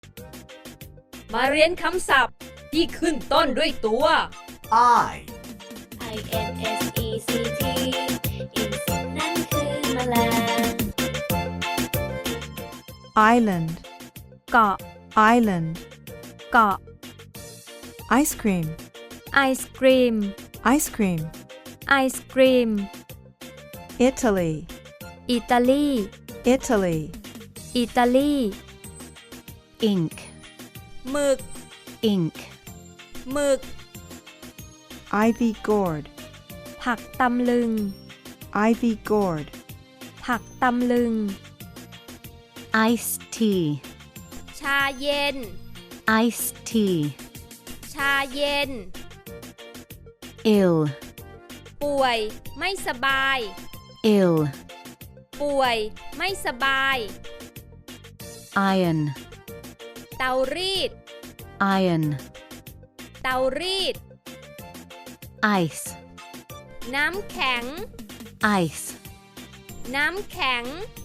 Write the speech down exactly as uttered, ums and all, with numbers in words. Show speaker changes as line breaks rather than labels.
มาเรียนคำศัพท์ที่ขึ้นต้นด้วยตัว
I
I N S E C T insect นั่นคือแมลง
island
เกาะ
island
เกาะ
ice cream
ไอศกรีม
ice cream
ไอศกรีม
Italy
อิตาลี
Italy
อิตาลี
ink
หมึก
ink
หมึก
ivy gourd
ผักตำลึง
ivy gourd
ผักตำลึง
iced tea
ชาเย็น
iced tea
ชาเย็น
ill
ป่วย ไม่สบาย
ill
ป่วย ไม่สบาย
iron
เตารีด
iron
เตารีด
ice
น้ำแข็ง
ice
น้ำแข็ง